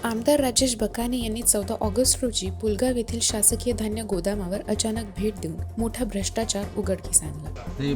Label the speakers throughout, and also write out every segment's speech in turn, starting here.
Speaker 1: आमदार राजेश बकाने यांनी 14 ऑगस्ट रोजी पुलगाव येथील शासकीय धान्य गोदामावर अचानक भेट देऊन मोठा भ्रष्टाचार उघडकीस आणला.
Speaker 2: प्रतीक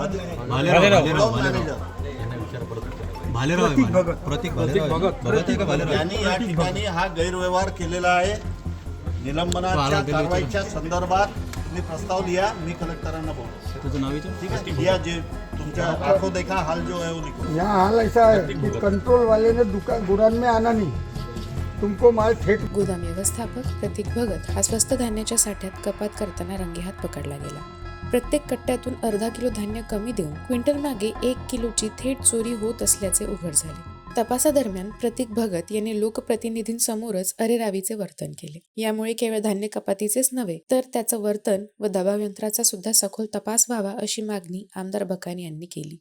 Speaker 2: भालेराव
Speaker 3: यांनी या ठिकाणी हा गैरव्यवहार केलेला आहे. निलंबनाच्या कारवाईच्या संदर्भात मी प्रस्ताव लिया, मी कलेक्टरांना बोलतो.
Speaker 2: तुझं नाव
Speaker 3: ठीक है, लिया जे तुमच्या आंखों देखा हाल जो है वो लिखो.
Speaker 4: यहाँ हाल ऐसा है कि कंट्रोल वाले ने दुकान गोदाम में आना नहीं, तुमको माल थेट.
Speaker 1: गोदाम व्यवस्थापक प्रतीक भगत हा स्वस्त धान्याच्या साठ्यात कपात करताना रंगेहात पकडला गेला. प्रत्येक कट्ट्यातून अर्धा किलो धान्य कमी देऊन क्विंटल मागे 1 किलोची थेट चोरी होत असल्याचे उघड झाले. तपासादरम्यान प्रतीक भगत यांनी लोकप्रतिनिधींसमोरच अरेरावीचे वर्तन केले. यामुळे केवळ धान्य कपातीचेच नव्हे तर त्याचं वर्तन व दबाव यंत्राचा सुद्धा सखोल तपास व्हावा अशी मागणी आमदार बकाने यांनी केली.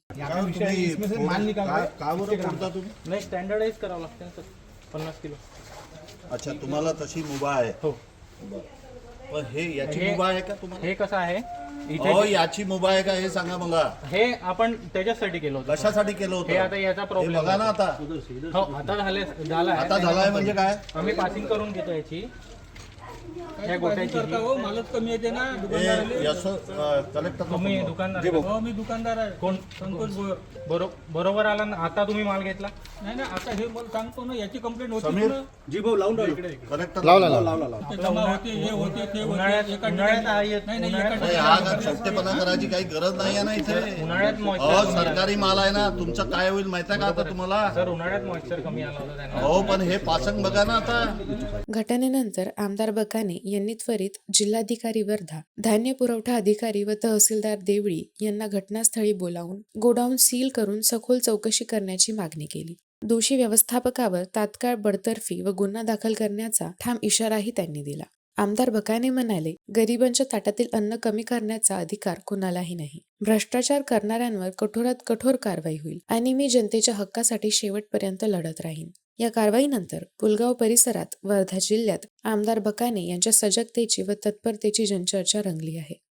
Speaker 5: नाही स्टँडर्डाइज करावं लागतं 50 किलो.
Speaker 3: अच्छा, तुम्हाला तशी मुभा आहे.
Speaker 5: हो.
Speaker 3: पण हे याची मुभा आहे का तुम्हाला?
Speaker 5: हे कसं आहे
Speaker 3: हो, याची मुभा आहे का हे सांगा मला.
Speaker 5: हे आपण त्याच्यासाठी केलं होतं.
Speaker 3: कशासाठी केलं
Speaker 5: हे आता
Speaker 3: होतं?
Speaker 5: याचा
Speaker 3: हे
Speaker 5: प्रॉब्लेम
Speaker 3: बघा ना आता.
Speaker 5: हो आता झाला
Speaker 3: आता झालाय म्हणजे काय?
Speaker 5: आम्ही पासिंग करून घेतो याची ह्या गोट्याची
Speaker 6: मालच कमी येते ना
Speaker 3: हे
Speaker 6: दुकानदाराले.
Speaker 3: याचं, कलेक्टर
Speaker 5: तुम्ही दुकानदार
Speaker 6: हो मी दुकानदार आहे.
Speaker 5: कोण
Speaker 6: संतोष भोयर.
Speaker 5: बरोबर आला ना. आता तुम्ही माल घेतला
Speaker 6: नाही ना, आता हे मला सांगतो ना, याची कंप्लेंट होती
Speaker 3: समीर
Speaker 6: ना.
Speaker 3: कलेक्टर
Speaker 6: ते जमा होते, हे होते, ते होते.
Speaker 5: उन्हाळ्यात
Speaker 6: एका
Speaker 5: उन्हाळ्यात
Speaker 6: ठिकाणी-
Speaker 5: हा येत
Speaker 6: नाही, नाही,
Speaker 5: उन्हाळ्यात
Speaker 6: एका
Speaker 3: नाही, हा का छोटेपणा करायची काही गरज नाही आहे ना इथे.
Speaker 5: उन्हाळ्यात
Speaker 3: हो,
Speaker 5: मॉइश्चर
Speaker 3: सरकारी माल आहे ना. तुमचं काय होईल माहिती आहे का आता तुम्हाला?
Speaker 5: सर उन्हाळ्यात मॉइश्चर कमी आला होता त्यांना.
Speaker 3: हो, पण हे पासंग बघा ना आता.
Speaker 1: घटनेनंतर आमदार बकाने यांनी त्वरित जिल्हाधिकारी वर्धा, धान्य पुरवठा अधिकारी व तहसीलदार देवळी यांना घटनास्थळी बोलावून गोडाऊन सील करून सखोल चौकशी करण्याची मागणी केली. दोषी व्यवस्थापकावर तात्काळ बडतर्फी व गुन्हा दाखल करण्याचा ठाम इशाराही त्यांनी दिला. आमदार बकाने म्हणाले, गरिबांच्या ताटातील अन्न कमी करण्याचा अधिकार कुणालाही नाही. भ्रष्टाचार करणाऱ्यांवर कठोरात कठोर कारवाई होईल आणि मी जनतेच्या हक्कासाठी शेवटपर्यंत लढत राहीन. या कारवाईनंतर पुलगाव परिसरात वर्धा जिल्ह्यात आमदार बकाने यांच्या सजगतेची व तत्परतेची जनचर्चा रंगली आहे.